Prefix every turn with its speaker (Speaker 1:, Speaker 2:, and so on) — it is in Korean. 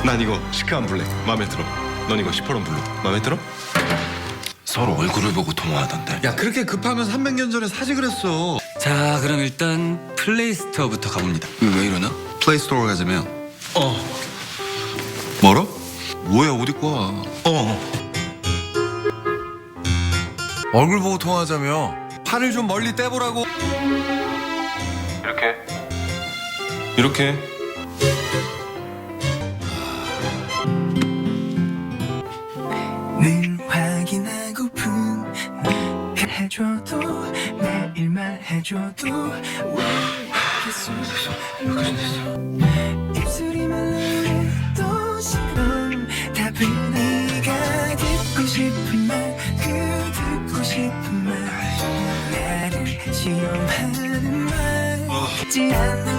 Speaker 1: 난 이거 시크한 블랙 마음에 들어. 넌 이거 시퍼런 블루 마음에 들어?
Speaker 2: 서로 얼굴을 보고 통화하던데.
Speaker 3: 야 그렇게 급하면 300년 전에 사지 그랬어.
Speaker 4: 자, 그럼 일단 플레이스토어부터 가봅니다.
Speaker 2: 왜 이러나?
Speaker 3: 플레이스토어 가자며.
Speaker 1: 어.
Speaker 3: 뭐라? 뭐야 어디 거야?
Speaker 5: 얼굴 보고 통화하자며. 팔을 좀 멀리 떼보라고.
Speaker 1: 이렇게.
Speaker 6: 늘 확인하고픈 해줘도 매일 말해줘도 왜 입술이 말해도 싫어 답은 네가 듣고 싶은 말 그 듣고 싶은 말 나를 시험하는 말 듣지 않아